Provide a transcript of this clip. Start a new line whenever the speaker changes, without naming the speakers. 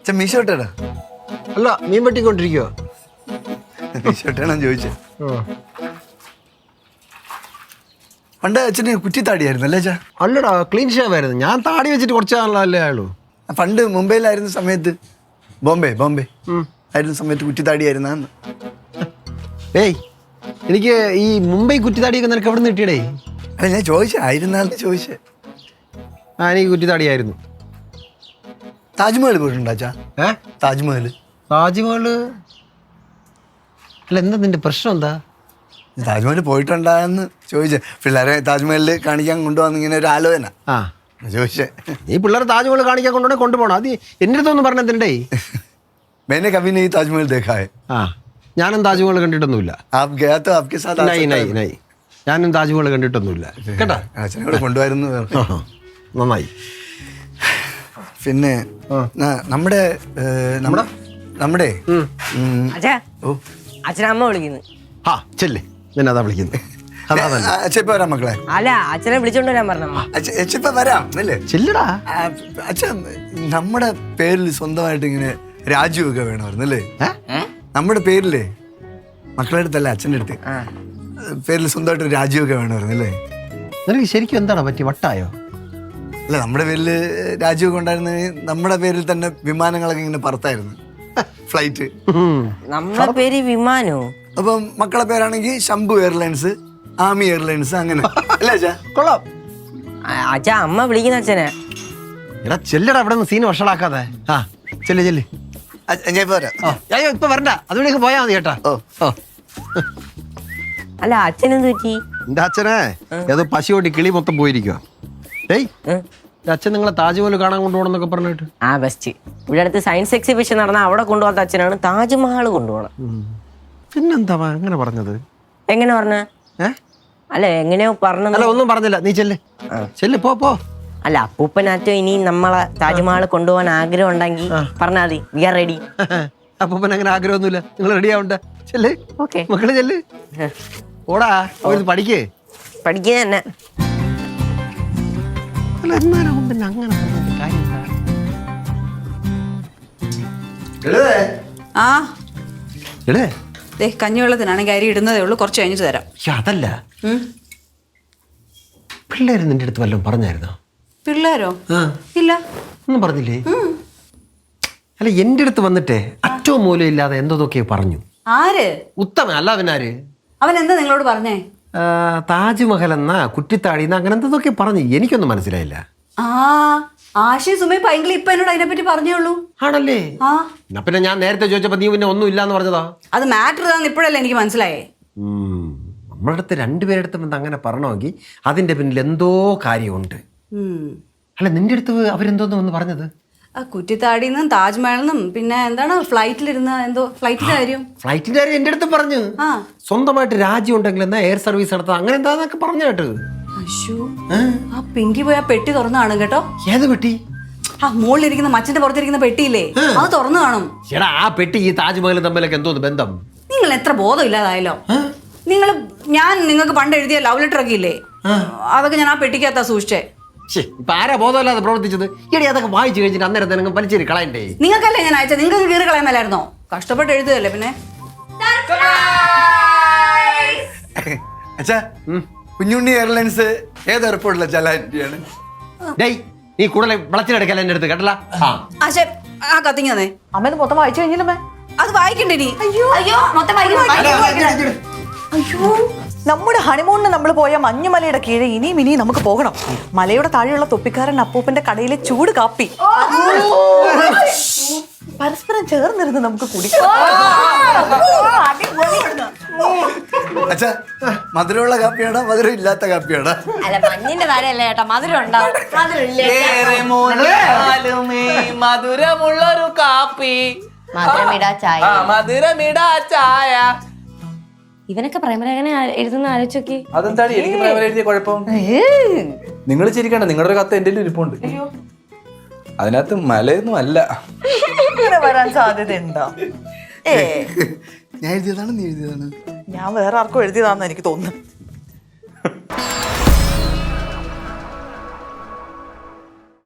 മീശോട്ടാ
അല്ല മീൻ വെട്ടിക്കൊണ്ടിരിക്കുവോ?
മീശോട്ടാണോ ചോദിച്ചത്? പണ്ട് അച്ഛന് കുറ്റിത്താടിയായിരുന്നു അല്ലേ അച്ഛാ?
അല്ലടാ ക്ലീൻ ഷേവ് ആയിരുന്നു. ഞാൻ താടി വെച്ചിട്ട് കുറച്ച് നാളല്ലേ ആയുള്ളൂ.
പണ്ട് മുംബൈയിലായിരുന്ന സമയത്ത് ബോംബെ ആയിരുന്ന സമയത്ത് കുറ്റിത്താടിയായിരുന്ന.
ഏയ് എനിക്ക് ഈ മുംബൈ കുറ്റിത്താടിയൊക്കെ നിനക്ക് എവിടെ നിന്ന് കിട്ടിയടേ?
അല്ല ഞാൻ ചോദിച്ചേ ആയിരുന്നാന്ന് ചോദിച്ചേ.
എനിക്ക് കുറ്റിത്താടിയായിരുന്നു.
താജ്മഹൽ പോയിട്ടുണ്ടോ അച്ഛാ? താജ്മഹൽ
അല്ല എന്താ നിന്റെ പ്രശ്നം എന്താ?
താജ്മഹൽ പോയിട്ടുണ്ടാന്ന് ചോദിച്ചേ. പിള്ളേരെ താജ്മഹലിൽ കാണിക്കാൻ കൊണ്ടുപോകാന്ന് ഇങ്ങനെ ഒരു ആലോചന ചോദിച്ചേ.
ഈ പിള്ളേരെ താജ്മഹൽ കാണിക്കാൻ കൊണ്ടുപോകണം. അത് എൻ്റെ അടുത്തൊന്നും പറഞ്ഞെന്തേ?
मैंने कभी नहीं ताजमहल देखा है.
ഞാനും താജ്മഹൽ കണ്ടിട്ടൊന്നുമില്ല.
आप गया तो आपके साथ आ सकता है.
ഞാനും താജ്മഹൽ കണ്ടിട്ടൊന്നുമില്ല കേട്ടാ.
അച്ഛനോട് കൊണ്ടുവരുന്നു.
നന്നായി.
പിന്നെ നമ്മുടെ
അച്ഛനമ്മ വിളിക്കുന്നു.
ചെല്ലേ നിന്നെ അതാ വിളിക്കുന്നത്.
അച്ഛൻ ഇപ്പൊ വരാം മക്കളെ.
അല്ല അച്ഛനെ വിളിച്ചോണ്ട് വരാൻ പറഞ്ഞ.
അച്ഛൻ ഇപ്പൊ വരാം അല്ലേ?
ചെല്ലടാ.
അച്ഛൻ നമ്മുടെ പേരിൽ സ്വന്തമായിട്ട് ഇങ്ങനെ രാജുവൊക്കെ വേണമായിരുന്നു അല്ലേ? നമ്മുടെ പേരിലേ മക്കളുടെ അടുത്തല്ല അച്ഛൻ്റെ അടുത്ത് പേരിൽ സ്വന്തമായിട്ട് രാജുവൊക്കെ വേണമായിരുന്നു അല്ലേ?
നിനക്ക് ശരിക്കും എന്താണ് പറ്റി? വട്ടായോ?
അല്ല നമ്മുടെ പേരിൽ രാജുവൊക്കെ ഉണ്ടായിരുന്നെങ്കിൽ നമ്മുടെ പേരിൽ തന്നെ വിമാനങ്ങളൊക്കെ ഇങ്ങനെ പറത്തായിരുന്നു. ഫ്ലൈറ്റ്
നമ്മുടെ പേര് വിമാനോ?
അപ്പം മക്കളെ പേരാണെങ്കിൽ ശംഭു എയർലൈൻസ്, ആമി എയർലൈൻസ് അങ്ങനെ അല്ലേ അച്ഛാ?
കൊള്ളാം.
അച്ഛാ അമ്മ വിളിക്കുന്ന അച്ഛനെ.
എടാ ചെല്ലടാ അവിടെ നിന്ന് സീൻ വഷളാക്കാതെ. ചെല്ല്
ഞാൻ ഇപ്പൊ വരാം.
അയ്യോ ഇപ്പൊ വരണ്ട, അതുവഴിയൊക്കെ പോയാ മതി കേട്ടാ.
അല്ല അച്ഛനെന്ത് പറ്റി?
എന്റെ അച്ഛനെ ഏതോ പശുവോട്ടി കിളി മൊത്തം പോയിരിക്കുവാ. അച്ഛൻ നിങ്ങളെ താജ്മഹൽ കാണാൻ കൊണ്ടുപോകണമെന്നൊക്കെ പറഞ്ഞിട്ട്.
ബെസ്റ്റ്. ഇവിടെ അടുത്ത് സയൻസ് എക്സിബിഷൻ നടന്ന അവിടെ കൊണ്ടുപോകാത്ത അച്ഛനാണ് താജ്മഹൽ കൊണ്ടുപോകണം.
പിന്നെന്താ അങ്ങനെ പറഞ്ഞത്?
എങ്ങനെ പറഞ്ഞ? അല്ല എങ്ങനെയോ പറഞ്ഞ.
ഒന്നും പറഞ്ഞില്ല. നീ ചെല്ല് പോ.
അല്ല അപ്പൂപ്പനാറ്റോ ഇനി നമ്മളെ താജ്മഹൽ കൊണ്ടുപോകാൻ ആഗ്രഹം ഉണ്ടെങ്കിൽ പറഞ്ഞാൽ മതി. We are ready.
അപ്പൂപ്പൻ അങ്ങനെ ആഗ്രഹമൊന്നുമില്ല. നിങ്ങൾ റെഡി ആവണ്ട. ചെല്ല് മക്കള് ചെല്ല്. ഓടാ പഠിക്കേ.
പഠിക്കുക തന്നെ.
കഞ്ഞിവെള്ളത്തിനാണെങ്കിൽ അരി ഇടുന്നതേ ഉള്ളൂ. കുറച്ച് കഴിഞ്ഞിട്ട് തരാം.
അതല്ല പിള്ളേര് നിന്റെ അടുത്ത് വല്ലതും പറഞ്ഞായിരുന്നോ?
പിള്ളേരോ? ഇല്ല,
ഒന്നും പറഞ്ഞില്ലേ? അല്ല എന്റെ അടുത്ത് വന്നിട്ടേ അറ്റവും മൂലം ഇല്ലാതെ എന്തോതൊക്കെ പറഞ്ഞു.
ആര്?
ഉത്തമ. അല്ല അവനാര്?
അവൻ എന്താ നിങ്ങളോട് പറഞ്ഞേ?
താജ്മഹൽ എന്നാ കുറ്റിത്താടി അങ്ങനെ എന്തൊക്കെ പറഞ്ഞു. എനിക്കൊന്നും മനസ്സിലായില്ല.
ആശയും സുമയും പൈങ്കിളി ഇപ്പൊ എന്നോട് അതിനെപ്പറ്റി പറഞ്ഞോളൂ.
ആണല്ലേ? പിന്നെ ഞാൻ നേരത്തെ ചോദിച്ചപ്പോ നീ പിന്നെ ഒന്നും ഇല്ലാന്ന് പറഞ്ഞതാ. അത്
മാറ്റർ ഇതാന്ന് ഇപ്പോഴല്ലേ എനിക്ക് മനസ്സിലായേ.
നമ്മുടെ അടുത്ത് രണ്ടുപേരെടുത്തും അങ്ങനെ പറഞ്ഞോങ്കിൽ അതിന്റെ പിന്നിൽ എന്തോ കാര്യമുണ്ട്. അല്ല നിന്റെ അടുത്ത് അവരെന്തോന്ന് വന്ന് പറഞ്ഞത്?
കുറ്റിത്താടിന്നും താജ്മഹലിന്നും പിന്നെ എന്താണ് ഫ്ലൈറ്റിലിരുന്ന എന്തോ ഫ്ലൈറ്റിന്റെ കാര്യം.
ഫ്ലൈറ്റിന്റെ കാര്യം എന്റെ അടുത്ത് പറഞ്ഞു. സ്വന്തമായിട്ട് രാജ്യം ഉണ്ടെങ്കിൽ എന്നാ എയർ സർവീസ് നടത്താം അങ്ങനെ എന്താന്നൊക്കെ പറഞ്ഞു കേട്ടത്.
ആ പിങ്കി പോയി ആ പെട്ടി തുറന്നു കാണും കേട്ടോ.
ഏത് പെട്ടി?
ആ മുകളിലിരിക്കുന്ന മച്ചിന്റെ പുറത്തിരിക്കുന്ന പെട്ടിയില്ലേ, അത് തുറന്നു കാണും.
ചേട്ടാ ആ പെട്ടി ഈ താജ്മഹലും തമ്മിലൊക്കെ എന്തോ ബന്ധം?
നിങ്ങൾ എത്ര ബോധം ഇല്ലാതായല്ലോ. ഞാൻ നിങ്ങൾക്ക് പണ്ട് എഴുതിയ ലവ് ലെറ്റർ ഒക്കെ ഇല്ലേ, അതൊക്കെ ഞാൻ ആ പെട്ടിക്കകത്താ സൂക്ഷിച്ചേ.
ഇപ്പൊ ആരാ ബോധമില്ലാതെ പ്രവർത്തിച്ചത്? എടി അതൊക്കെ വായിച്ചു കഴിഞ്ഞിട്ട് അന്നേരത്തെ നിങ്ങൾ വലിച്ചേരി കളയണ്ടേ?
നിങ്ങൾക്കല്ലേ ഞാൻ അയച്ചത്, നിങ്ങൾക്ക് കീറി കളയാമല്ലായിരുന്നോ? കഷ്ടപ്പെട്ട് എഴുതുകയല്ലേ. പിന്നെ
അച്ഛാ കുഞ്ഞുണ്ണി എയർലൈൻസ് ഏത് എയർപോർട്ടിലെ ചലാറ്റിയാണ്?
നീ കൂടുതൽ വിളച്ചിലെടുക്കല എന്റെ അടുത്ത് കേട്ടല്ല.
ആ കത്തിങ് തന്നെ
അമ്മ മൊത്തം വായിച്ചു കഴിഞ്ഞില്ലമ്മേ.
അത് വായിക്കണ്ടേ നീ?
അയ്യോ നമ്മുടെ ഹണിമൂണിന് നമ്മൾ പോയ മഞ്ഞുമലയുടെ കീഴെ ഇനിയും നമുക്ക് പോകണം. മലയുടെ താഴെയുള്ള തൊപ്പിക്കാരൻ അപ്പൂപ്പന്റെ കടയിലെ ചൂട് കാപ്പി പരസ്പരം ചേർന്നിരുന്ന് നമുക്ക് കുടിക്കാം.
അച്ഛാ മധുരമുള്ള കാപ്പിയാണോ മധുരം ഇല്ലാത്ത കാപ്പിയാണോ?
അല്ല മഞ്ഞിന്റെ താഴെയല്ലേ ചേട്ടാ, മധുരം ഉണ്ടാവും.
മധുരമുള്ളൊരു കാപ്പി,
മധുരമിടാ ചായ.
മധുരമിടാ ചായ.
ഇവനൊക്കെ പ്രേമലേഖനം എഴുതുന്ന ആലോചിച്ചോക്കി.
അതെന്താണ് എനിക്ക് പ്രേമലേഖനം എഴുതിയ കുഴപ്പം? നിങ്ങൾ ചിരിക്കണ്ട, നിങ്ങളുടെ ഒരു കത്ത് എന്റെ ഇരിപ്പുണ്ട്. അതിനകത്ത് മലയൊന്നും അല്ല.
വരാൻ സാധ്യതയുണ്ടോ?
ഞാൻ എഴുതിയതാണ്, നീ എഴുതിയതാണ്.
ഞാൻ വേറെ ആർക്കും എഴുതിയതാന്ന് എനിക്ക് തോന്നുന്നു.